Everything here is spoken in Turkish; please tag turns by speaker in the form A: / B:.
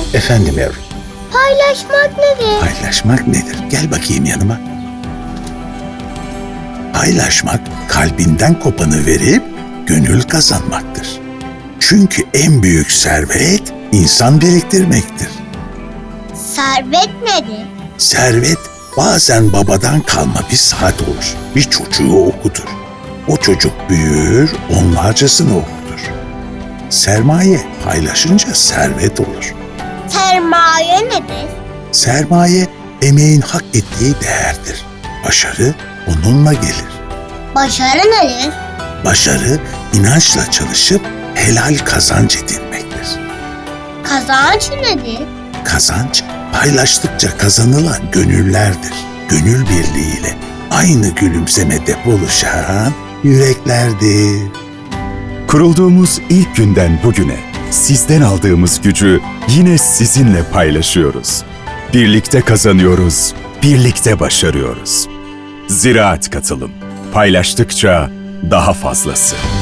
A: Efendim yavrum.
B: Paylaşmak nedir?
A: Paylaşmak nedir? Gel bakayım yanıma. Paylaşmak kalbinden kopanı verip gönül kazanmaktır. Çünkü en büyük servet insan biriktirmektir.
B: Servet nedir?
A: Servet bazen babadan kalma bir saat olur. Bir çocuğu okutur. O çocuk büyür, onlarcasını okutur. Sermaye paylaşınca servet olur.
B: Sermaye nedir?
A: Sermaye emeğin hak ettiği değerdir. Başarı onunla gelir.
B: Başarı nedir?
A: Başarı inançla çalışıp helal kazanç edinmektir.
B: Kazanç nedir?
A: Kazanç paylaştıkça kazanılan gönüllerdir. Gönül birliğiyle aynı gülümsemede buluşan yüreklerdir.
C: Kurulduğumuz ilk günden bugüne sizden aldığımız gücü yine sizinle paylaşıyoruz. Birlikte kazanıyoruz, birlikte başarıyoruz. Ziraat Katılım. Paylaştıkça daha fazlası.